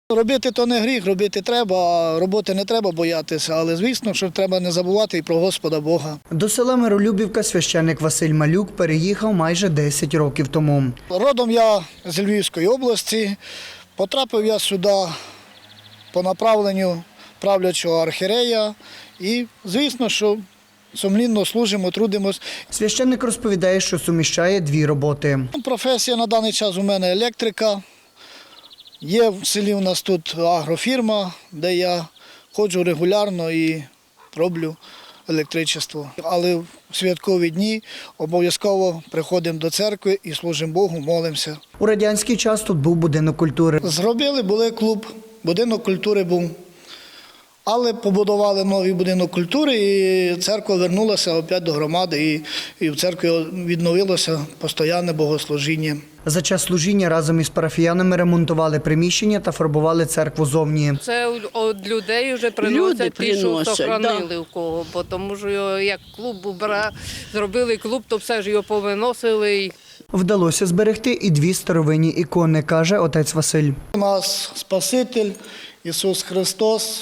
Робити то не гріх, робити треба, а роботи не треба боятися, але звісно, що треба не забувати і про Господа Бога. До села Миролюбівка священник Василь Малюк переїхав майже 10 років тому. Родом я з Львівської області, потрапив я сюди по направленню правлячого архієрея і, звісно, що сумлінно служимо, трудимось. Священник розповідає, що суміщає дві роботи. Професія на даний час у мене електрика. Є в селі у нас тут агрофірма, де я ходжу регулярно і роблю електричество. Але в святкові дні обов'язково приходимо до церкви і служимо Богу, молимося. У радянський час тут був будинок культури. Зробили, були клуб, будинок культури був. Але побудували новий будинок культури, і церква вернулася опять до громади, і в церкві відновилося постійне богослужіння. За час служіння разом із парафіянами ремонтували приміщення та фарбували церкву зовні. Це від людей вже приносять ті, що сохранили у кого, бо тому що як клуб зробили клуб, то все ж його повиносили. Вдалося зберегти і дві старовинні ікони, каже отець Василь. У нас Спаситель Ісус Христос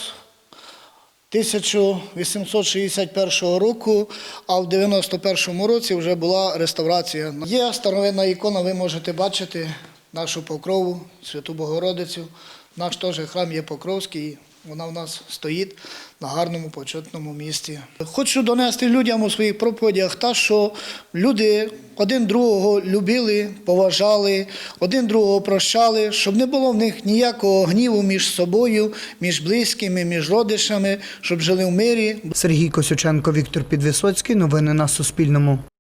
1861 року, а в 91 році вже була реставрація. Є старовинна ікона, ви можете бачити нашу Покрову, Святу Богородицю. Наш теж храм є Покровський, вона в нас стоїть на гарному, почетному місці. Хочу донести людям у своїх проповідях те, що люди один другого любили, поважали, один другого прощали, щоб не було в них ніякого гніву між собою, між близькими, між родичами, щоб жили в мирі. Сергій Косюченко, Віктор Підвисоцький. Новини на Суспільному.